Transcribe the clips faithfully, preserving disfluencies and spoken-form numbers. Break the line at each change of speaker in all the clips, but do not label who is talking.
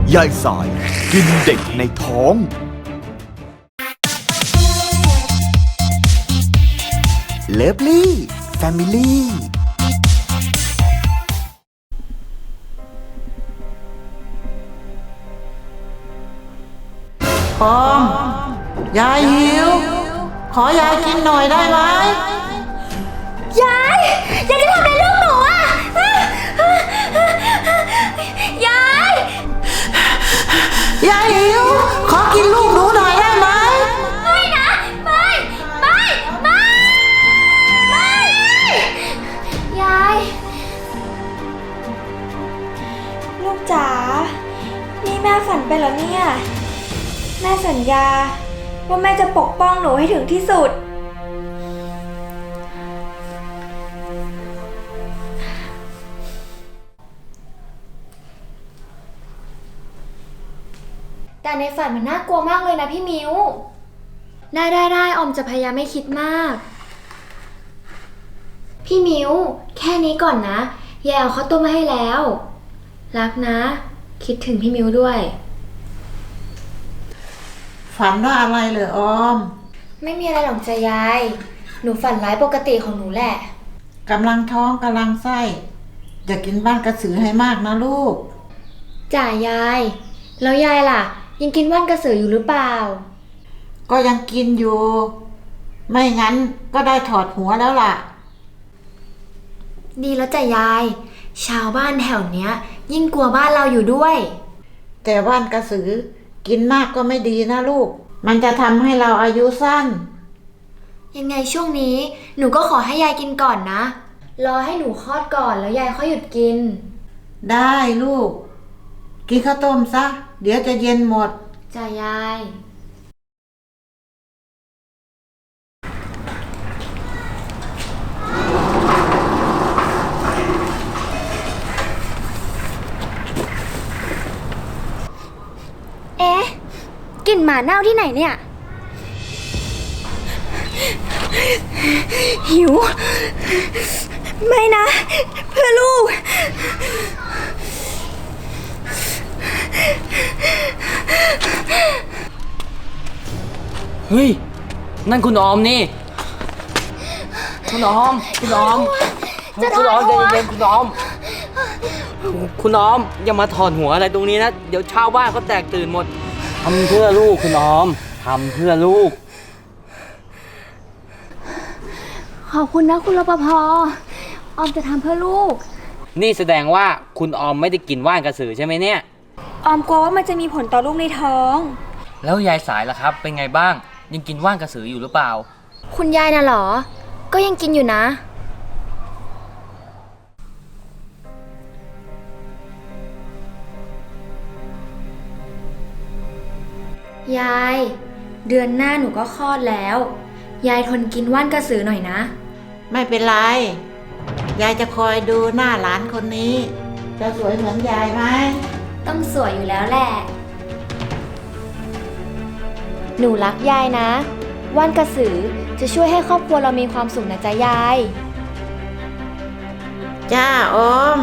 ยายสายกินเด็กในท้องเลิฟลี่แฟมิลี่
ปอมยายหิวขอยายกินหน่อยได้ไหม
ยายยายจะทำอะไรลูกหนูอ่ะยาย
ยายหิวขอกินลูกหนูหน่อยได้ไหม
ไม่นะไม่ไม่ไม่ไม่ยายลูกจ๋านี่แม่ฝันไปแล้วเนี่ยแม่สัญญาว่าแม่จะปกป้องหนูให้ถึงที่สุดแต่ในฝันมันน่ากลัวมากเลยนะพี่มิวได้ได้ได้ออมจะพยายามไม่คิดมากพี่มิวแค่นี้ก่อนนะยายเอาข้าวต้มมาให้แล้วรักนะคิดถึงพี่มิวด้วย
ฝันว่าอะไรเหรอออม
ไม่มีอะไรหรอกจ้ะยายหนูฝันร้ายปกติของหนูแหละ
กำลังท้องกำลังไส้อย่ากินบ้านกระสือให้มากนะลูก
จ่ายายแล้วยายล่ะยังกินว่านกระสืออยู่หรือเปล่า
ก็ยังกินอยู่ไม่งั้นก็ได้ถอดหัวแล้วล่ะ
ดีแล้วจ้ะยายชาวบ้านแถวเนี้ยยิ่งกลัวบ้านเราอยู่ด้วย
แต่ว่านกระสือกินมากก็ไม่ดีนะลูกมันจะทำให้เราอายุสั้น
ยังไงช่วงนี้หนูก็ขอให้ยายกินก่อนนะรอให้หนูคลอดก่อนแล้วยายค่อยหยุดกิน
ได้ลูกกินข้าวต้มซะเดี๋ยวจะเย็นหมด
จ้ะยายเอ๊ะกลิ่นหมาเน่าที่ไหนเนี่ยหิวไม่นะเพื่อลูก
เฮ้ยนั่นคุณออมนี่คุณออมคุณออมคุณออมใจเย็นๆคุณออมคุณออมอย่ามาถอดหัวอะไรตรงนี้นะเดี๋ยวชาวบ้านเขาแตกตื่นหมดทำเพื่อลูกคุณออมทำเพื่อลูก
ขอบคุณนะคุณรปภ.ออมจะทำเพื่อลูก
นี่แสดงว่าคุณออมไม่ได้กินว่านกระสือใช่ไหมเนี่ย
ออมกลัวว่ามันจะมีผลต่อลูกในท้อง
แล้วยายสายล่ะครับเป็นไงบ้างยังกินว่านกระสืออยู่หรือเปล่า
คุณยายน่ะเหรอก็ยังกินอยู่นะยายเดือนหน้าหนูก็คลอดแล้วยายทนกินว่านกระสือหน่อยนะ
ไม่เป็นไรยายจะคอยดูหน้าหลานคนนี้จะสวยเหมือนยายไหม
ต้องสวยอยู่แล้วแหละหนูรักยายนะว่านกระสือจะช่วยให้ครอบครัวเรามีความสุขนะจ๊ะยาย
จ้าออม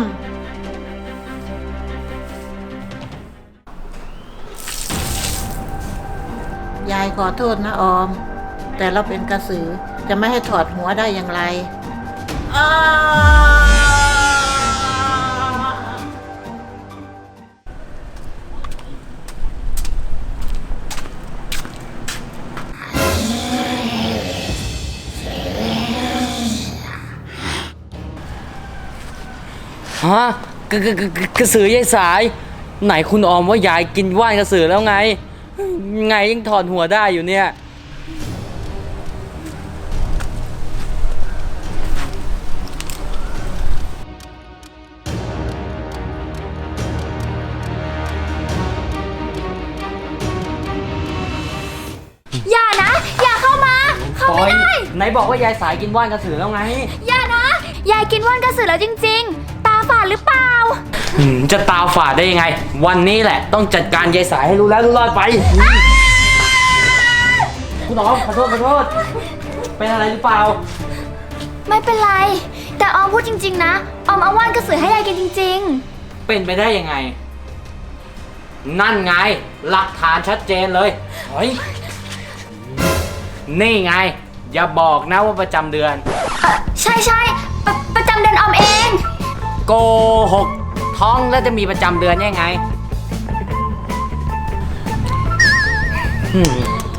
ยายขอโทษนะออมแต่เราเป็นกระสือจะไม่ให้ถอดหัวได้อย่างไร
ฮะกระกระกระกระสือยายสายไหนคุณออมว่ายายกินว่านกระสือแล้วไงไงยังถอดหัวได้อยู่เนี่ย
อย่านะอย่าเข้ามาเข้าไม่ได้
ไหนบอกว่ายายสายกินว่านกระสือแล้วไง
อย่านะยายกินว่านกระสือแล้วจริงๆตาฝาดหรือเปล่า
จะตาฝาดได้ยังไงวันนี้แหละต้องจัดการยายสายให้รู้แล้วรู้รอดไปคุณออมขอโทษขอโทษเป็นอะไรหรือเปล่า
ไม่เป็นไรแต่ออมพูดจริงๆนะออมเอาว่านกระสือให้ยายกินจริงๆ
เป็นไปได้ยังไงนั่นไง หลักฐานชัดเจนเลยเฮ้ยนี่ไง อย่าบอกนะว่าประจำเดือน
ใช่ใช่ปะประจำเดือนออมเอง
โกหก ท้องแล้วจะมีประจำเดือนยังไงอืม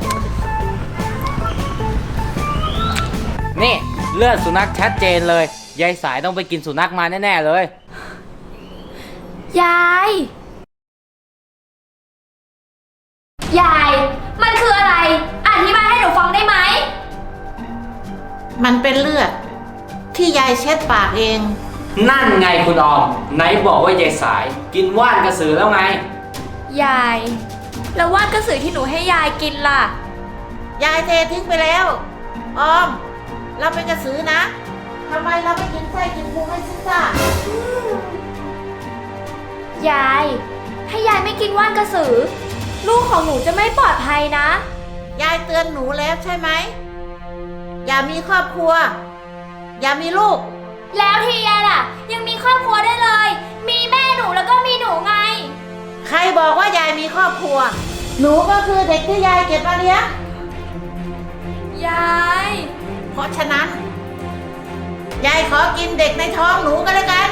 นี่เลือดสุนัขชัดเจนเลย ยายสายต้องไปกินสุนัขมาแน่ๆเลย
ยาย ยาย มันคืออะไร อธิบายให้หนูฟังได้ไหม
มันเป็นเลือด ที่ยายเช็ดปากเอง
นั่นไงคุณออม ไหนบอกว่ายายสาย กินว่านกระสือแล้วไง
ยาย แล้วว่านกระสือที่หนูให้ยายกินล่ะ
ยายเททิ้งไปแล้ว ออม เราเป็นกระสือนะทำไมเราไม่กินไส้กินพุงให้ซิซ่าย
าย ถ้ายายไม่กินว่านกระสือ ลูกของหนูจะไม่ปลอดภัยนะ
ยายเตือนหนูแล้วใช่ไหม อย่ามีครอบครัว อย่ามีลูก
แล้วทียายล่ะ ยังมีครอบครัวได้เลย มีแม่หนูแล้วก็มีหนูไง
ใครบอกว่ายายมีครอบครัว หนูก็คือเด็กที่ยายเก็บมาเลี้ยง
ยาย
เพราะฉะนั้น ยายขอกินเด็กในท้องหนูก็แล้วกัน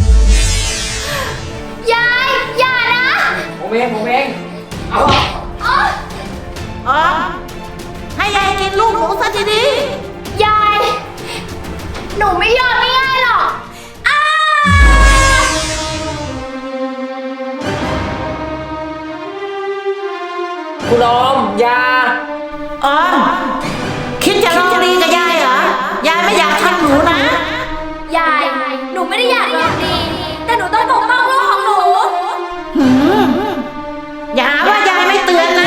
ยาย อย่านะ
ผมเองผมเองเอา
อ๋อ
ออม ให้ยายกินลูกหนูซะดี
ยาย หนูไม่ยอมไม่ง่ายหรอกอ้า
คุณออมอยา
ๆออม คิดจะลองดีกับยายเหรอ ยายไม่อยากทำหนูนะ
ยาย หนูไม่ได้อยากลองดี แต่หนูต้องปกป้องลูกของหนู
หืมอย่าหาว่ายายไม่เตือนนะ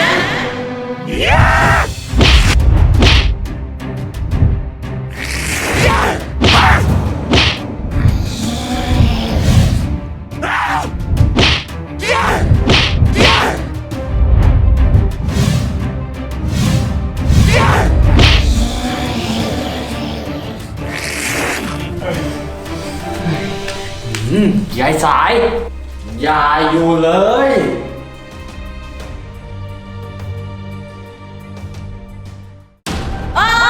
อืมยายสาย อย่าอยู่เลย
อ้า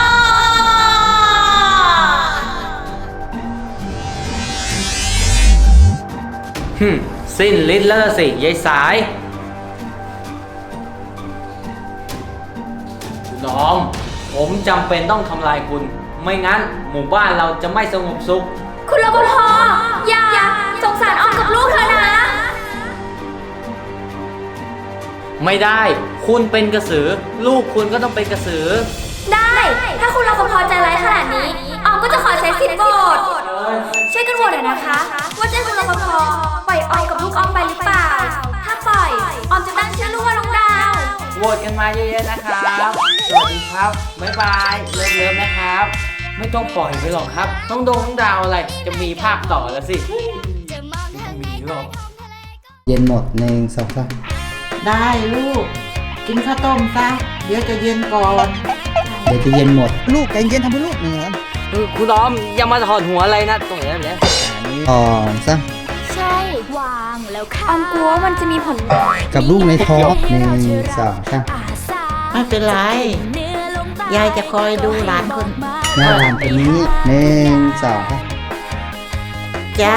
หึมสิ้นฤทธิ์แล้วล่ะสิยายสาย คุณออม ผมจำเป็นต้องทำลายคุณ ไม่งั้นหมู่บ้านเราจะไม่สงบสุข
คุณรปภอย่าสงสารออมกับลูกเธอนะ
ไม่ได้ คุณเป็นกระสือ ลูกคุณก็ต้องเป็นกระสือ
ได้ ถ้าคุณรปภใจร้ายขนาดนี้ ออมก็จะขอใช้สิทธิ์โหวตช่วยกันโหวตหน่อยนะคะ ว่าจะให้คุณรปภปล่อยออมกับลูกออมไปหรือเปล่า ถ้าปล่อย ออมจะตั้งชื่อลูกว่าน้องดาว
โหวตกันมาเยอะๆนะครับ สวัสดีครับ บ๊ายบาย เลิฟๆนะครับ ไม่ต้องปล่อยไปหรอกครับ ต้องโดนต้องดาวอะไร จะมีภาคต่อแล้วสิไม่ต้องมีหรอก
เย็นหมดหนึ่งสองสาม
ได้ลูก กินข้าวต้มซะ เดี๋ยวจะเย็นก่อน
เดี๋ยวจะเย็นหมด ลูกใจเย็นทำเพื่อลูกหนึ่งครับ
เออคุณออมอย่ามาถอดหัวอะไรนะ ตรงนี้เนี่ย
อันนี้สองสาม
ใช่ วางแล้วค่ะ ออมกลัวว่ามันจะมีผล
กับลูกในท้องหนึ่งสองสาม
ไม่เป็นไร ยายจะคอยดูหลานคน
หน้าหลานตัวนี้หนึ่งสองสาม
จ้า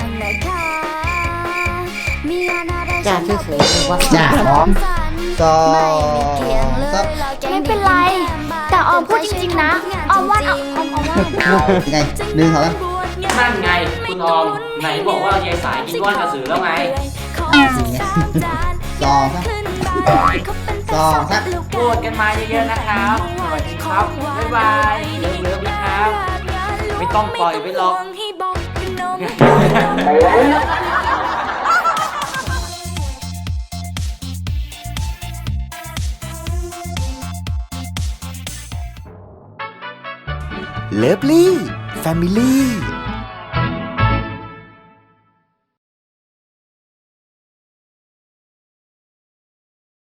จ้าเฉยๆว่า
จ้าพร้อมสองสาม
ไม่เป็นไร แต่ออมพูดจริงๆนะ ออมว่าออมออมว่า
ยังไงหนึ่งสองสาม
นั่นไง คุณออม ไหนบอกว่ายายสายกินว่านกระสือแล้วไง
อ่ะอย่างเงี้ยสองสามสองสาม
โหวตกันมาเยอะๆนะครับ สวัสดีครับ บ๊ายบาย เลิฟๆนะครับ ไม่ต้องปล่อยไปหรอก
เลิฟลี่แฟมิลี่